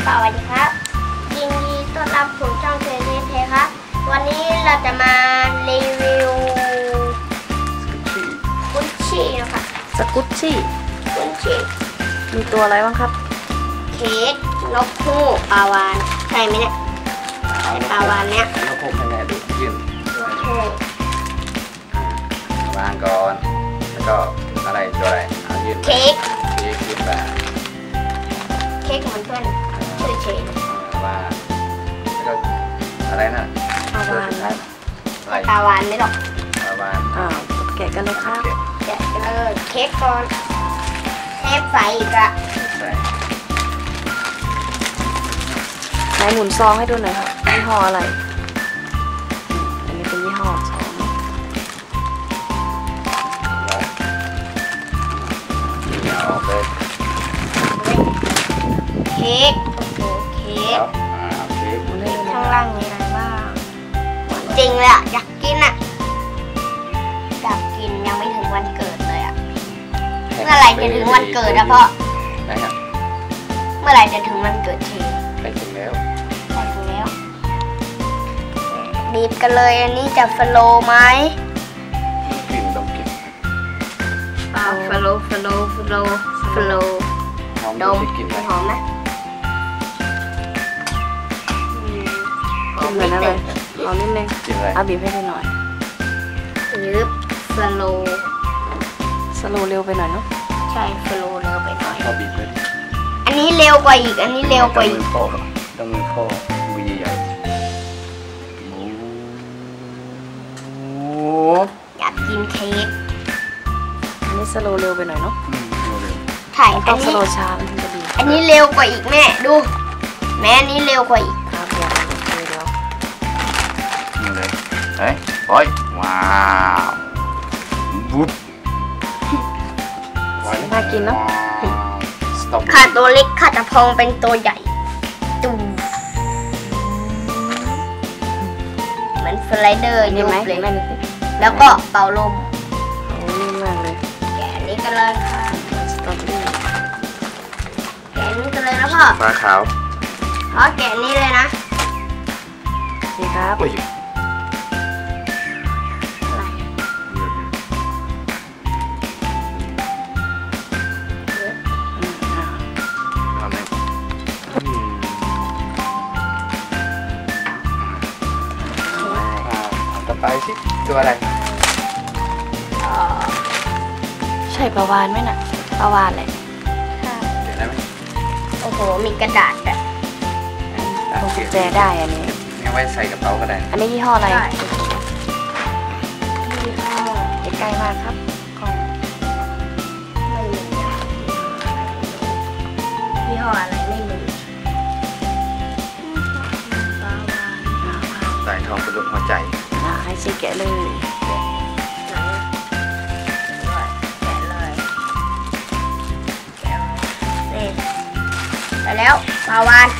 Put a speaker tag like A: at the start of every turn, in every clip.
A: วัสดีครับยินดีต้อนรับสู่ช่องเทเทครับวันนี้เราจะมารีวิวกุชชี่นะคะ
B: สกุชชี่มีตัวอะไรบ้างครับ
A: เค้กนกฮูกปลาวานใช่ไหมเนี่ยปลาวานเนี้ย
C: นกฮูกให้แม่ดูยื่น
A: นกฮูก
C: วางก่อนแล้วก็อะไรตัวอะไรยื่น
A: เค้ก
C: ยื่นไป
A: เค้กเหมือนเพื่อนชื่อเชน
C: ว่าแล้วก็อะไรนะ
B: ปลาวานแล้ว
A: ปลาวานไม่หรอก
C: ปลาวาน
B: แกะกันเลยครับ
A: แกะกันเลยเค้กก่อนเทปใส่อีกอะ
B: ไหนหมุนซองให้ดูหน่อยครับยี่ห้ออะไรอันนี้เป็นยี่ห้อซอง
C: เอาไป
A: เค้กโอ้โหเค้กข้างล่างมีอะไรบ้างจริงเลยอะอยากกินอะอยากกินยังไม่ถึงวันเกิดเลยอะเมื่อไหร่จะถึงวันเกิดอะพ่อเมื่อไหร่จะถึงวันเกิดที
C: ไปถึงแล้ว
A: บีบกันเลยอันนี้จะฟโลไหม
C: กลิ่นต้องกลิ่น
A: ฟโล
C: หอม
A: ดม
C: กลิ่นไหม
A: หอมไหม
B: หอมเลยนะเลยหอมนิดนึงเอาบีบให้ดูหน่อย
A: ยึบสโล
B: เร็วไปหน่อยเนาะ
A: ใช่สโลเร็วไปหน่อย
C: เอาบีบเลย
A: อันนี้เร็วกว่าอีกต้องมือ
C: ข้อมือใหญ่
A: อยากกินเค้ก
B: อันนี้สโลเร็วไปหน่อยเนาะ
A: ถ่าย
B: ต้องสโลช้ามันถึงจะดี
A: อันนี้เร็วกว่าอีกแม่ดูแม่อันนี้เร็วกว่าอีก
B: ครับเดี๋ยว
C: นี่เลยเฮ้ยโอ้ยว้าววุ้บ
B: น่ากินเนาะ
A: ขาตัวเล็กขาจะพองเป็นตัวใหญ่ตูเหมือนสไลเดอร์
B: นี่ไหม
A: แล้วก็เป่าลม
B: นิ่มมากเลย
A: แกะนี้กันเลยค่ะ
B: สตรอเบอรี่
A: แกะนี้กันเลยนะพ่อ
C: ปลาขาว
A: แกะนี้เลยนะ
B: นี่ครับ
C: ไปสิตัวอะไร
B: ใช่ปลาวานไหมน่ะปลาวานเลย
C: เดี๋ยวได้ไหม
A: โอ้โหมีกระดาษแบบ
B: พวงกุญแจได้อันนี้
C: งั้นไว้ใส่กระเป๋าก็ได้
B: อันนี้ยี่ห้ออะไร
A: ยี่ห้อ
B: ใกล้มากครับ
A: ไม่มียี่ห้ออะไรไม่มี
C: ใส่ทองเป็นรูปหัวใจ
B: ให้ชีแกะเลย
A: แต่แล้วปลาวาน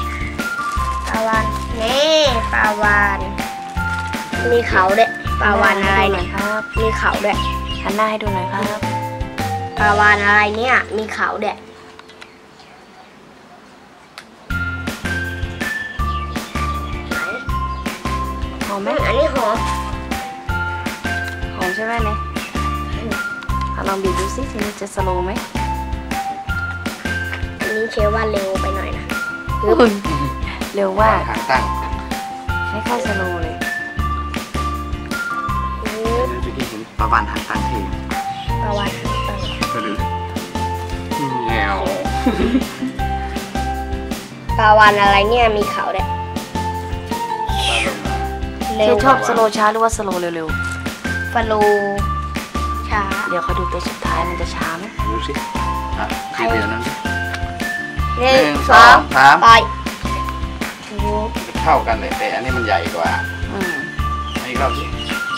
A: นี่ปลาวานมีเขาด้วยปลาวานอะไรเนี่ย
B: ครับ
A: มีเขาด้วย
B: หันหน้าให้ดูหน่อยครับ
A: ปลาวานอะไรเนี่ยมีเขาด้วย
B: หอมไหม
A: อันนี้หอม
B: ใช่ไหมเนี่ยลองบีบดูสิทีนี้จะสโลว์ไหม
A: อันนี้เชื่อว่าเร็วไปหน่อยนะ
B: เร็วว่า
C: หางตั้ง
B: ไม่ค่อยสโลว์เลย
C: จะกินปลาวานหางตั้งที
A: ปลาวานหางตั้ง
C: แงว
A: ปลาวานอะไรเนี่ยมีเขาด้วย
B: ชอบสโลว์ช้าหรือว่าสโลว์เร็ว
A: ฟโลช้า
B: เดี๋ยวเขาดูตัวสุดท้ายมันจะช้าไหม
C: ดูสิทีเดียวนั้น
A: 1 2 3ไป
C: เท่ากันเลยแต่อันนี้มันใหญ่กว่าอีกรอบสิ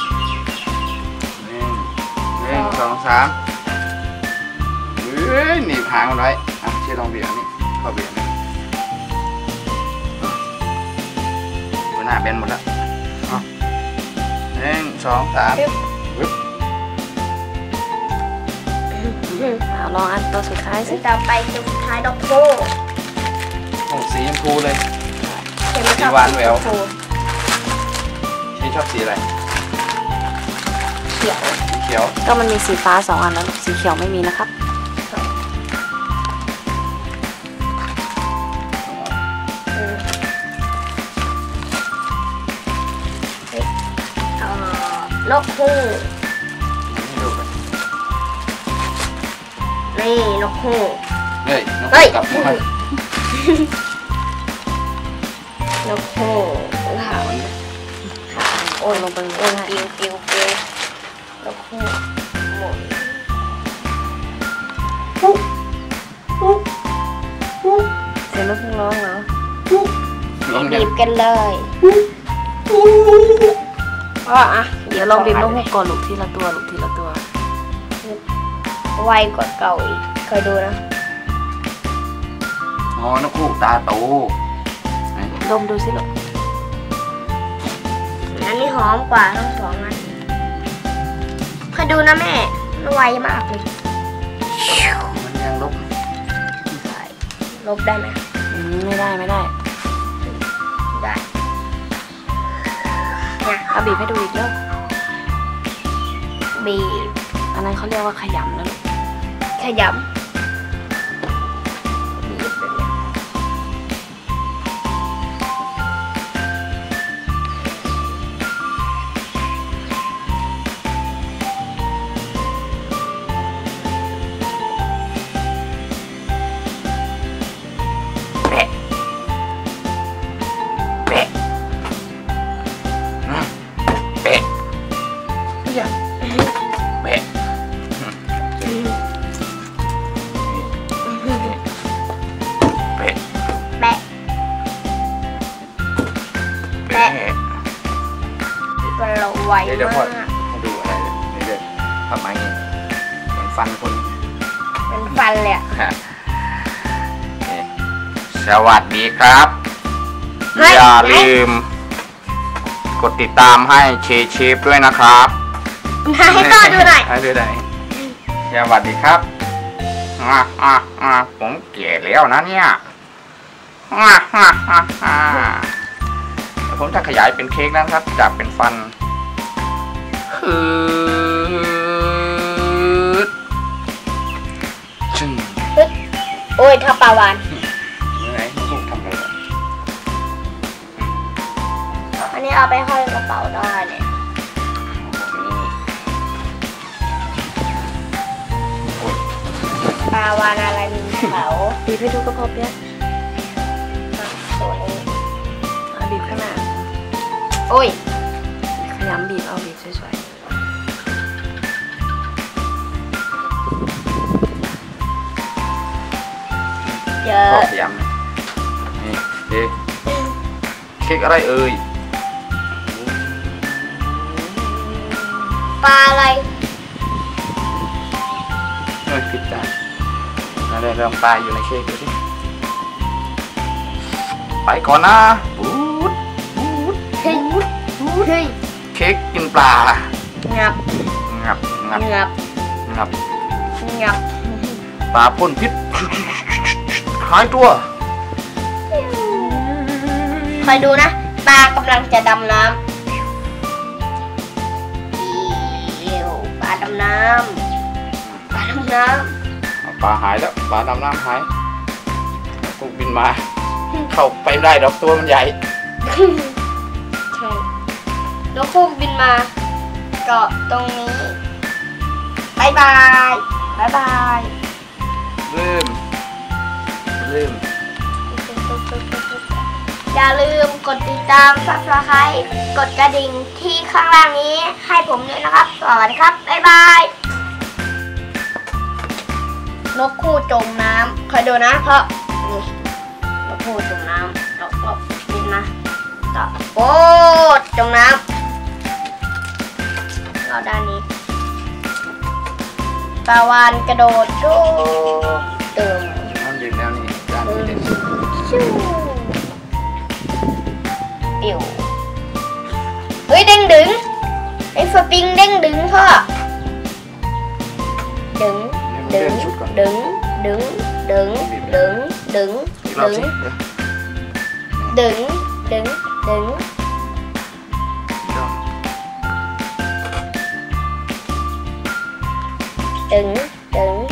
C: 1 2 3หนีบหางมันไว้เชื่อลองเบี่ยงนี่เข้าเบี่ยงนี่หน้าเบนหมดแล้ว1 2 3
B: ลองอันตัวสุดท้ายสิ
A: ต่อไปตัวสุดท้ายดอกโบ
C: สีพูเลย
A: เห็นไหมครับ
C: สีหวานแหวว
A: ชมพู
C: ชีชอบสีอะไร
A: เขียว
C: สีเขียว
B: ก็มันมีสีฟ้า2 อันแล้วลูกสีเขียวไม่มีนะครับ
A: นกฮูก
C: ให้ดูกัน
A: นี่นกฮูก
C: เฮ้ยน้อง
A: เฮ้ย
C: กลับมา
A: นกฮูกขาวโอ้ย
B: ลงไป
A: โอ้ยปิวปิวปิวแล้วก็หมุนปุ๊บปุ๊บปุ๊บ
B: เสียงนกฮูกร้องแล้ว
A: ปุ๊บ
C: ลอง
A: บี
C: เนี่ย
A: บกันเลยก็อ่ะ
B: เดี๋ยวลองบีบนกฮูกก่อนลูกทีละตัวลูกทีละตัว
A: ไวกว่าเก่าอีกเคยดูนะ
C: อ๋อนกฮูกตาโตไหน
B: ดมดูสิลูก
A: อันนี้หอมกว่าทั้ง2 อันเคยดูนะแม่มันไวมากเลย
C: มันยังลบ
A: ลบได้ไหม
B: ไม่ได้ไม่ได้
A: ได้เนี่ย
B: เอาบีบให้ดูอีกแล้ว
A: บีบ
B: อันนั้นเขาเรียกว่าขยำนะลูก
A: ขยำบีบแบบนี้
C: แปะแปะนะแปะอย่าแปะ แปะ
A: แปะ
C: แปะ
A: เราไว
C: เดี๋ยว
A: มา
C: พ่อก ให้ดูอะไรเดี๋ยวทำไมเงี้ยเหมือนฟันคน
A: เป็นฟันเลยอะ
C: สวัสดีครับ
A: เฮ้ย
C: อย่าลืม กดติดตามให้เชฟด้วยนะครับ
A: ให้พ่อดูหน่อย
C: ให้ดูหน่อยสวัสดีครับผมแก่แล้วนะเนี่ยเดี๋ยวผมจะขยายเป็นเค้กนะครับ จากเป็นฟันจึง
A: โอ้ยถ้าปลาวาน
C: ยังไงลูกทำอะไร
A: อันนี้เอาไปห้อยกระเป๋าได้เนี่ย ปลาวานอะไรมีเขา
B: บีบให้ดูก็พอเปี้ย
A: ตัวนี้
B: เอาบีบข้างหน้า
A: โอ้ย
B: ขยำบีบเอาบีบสวย
A: เยอะ
C: ขอพยายามนี่เค้กอะไรเอ่ย
A: ปลาอะไร
C: ผิดจานอะไรเริ่มปลายอยู่ในเค้กดูสิไปก่อนนะบูด
A: เฮ้ยเฮ้ย
C: เค้กกินปลา
A: งับ
C: งับงับ
A: งับ
C: งับ
A: งับ
C: ปลาพ่นพิษคล้ายตัว
A: คอยดูนะปลากำลังจะดำน้ำปลาดำน้ำปลาดำน้
C: ปลาหายแล้วปลาดำน้ำหายกูบินมา เข้าไปไม่ได้ดอกตัวมันใหญ่
A: ำใช่นกฮูกบินมาเกาะตรงนี้บายบายบายบาย
C: ลืม
A: อย่าลืมกดติดตาม Subscribe กดกระดิ่งที่ข้างล่างนี้ให้ผมด้วยนะครับ สวัสดีครับ บ๊ายบาย นกคู่จมน้ำคอยดูนะเพราะนี่นกคู่จมน้ำเราก็บินมาต่อโอ้จมน้ำเราด้านนี้ปลาวานกระโดดชูเติม
C: มันยืนแล้วนี่ด้านนี้เด่น
A: ชูปิวเฮ้ยเด้งดึงไอ้สปริงเด้งดึงพ่อดึง
C: เดิ
A: ดึง
C: นชุดก่อน
A: ดึงดึงดึงดึงดึง
C: อีกรอบ
A: ดึง
C: สิเดี๋ยว
A: ดึงดึงดึง
C: ดอม
A: ดึงดึง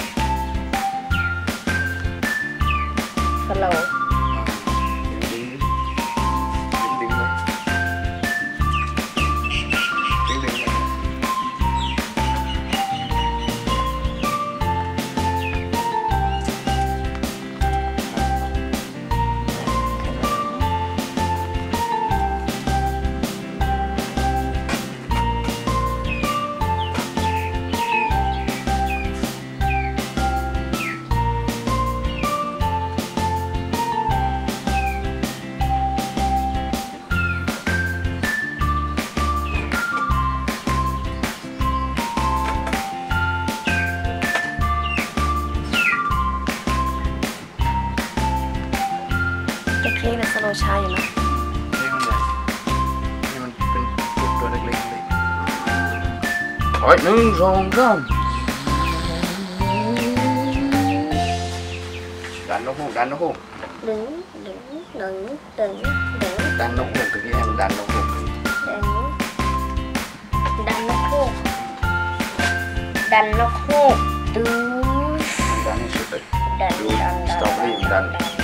A: สโลว์
C: ดึงดึงเลยดึงดึงเลย
B: เค้กเนี่ยสโลว์ช้าอยู่นะ
C: นี่มันใหญ่นี่มันเป็นตัวเล็กๆเลยโอ้ย1 2 3ดันนกฮูกดันนกฮูก
A: ดึงดึงดึงดึงดึง
C: ดันนกฮูกตะกี้ให้มันดันนกฮูก
A: ดึงดันนกฮูกดันนกฮูกดึง
C: ดันให้สุดเลย
A: ดัน
C: ดู
A: ดัน
C: สตรอเบอรี่มันดัน
A: ดัน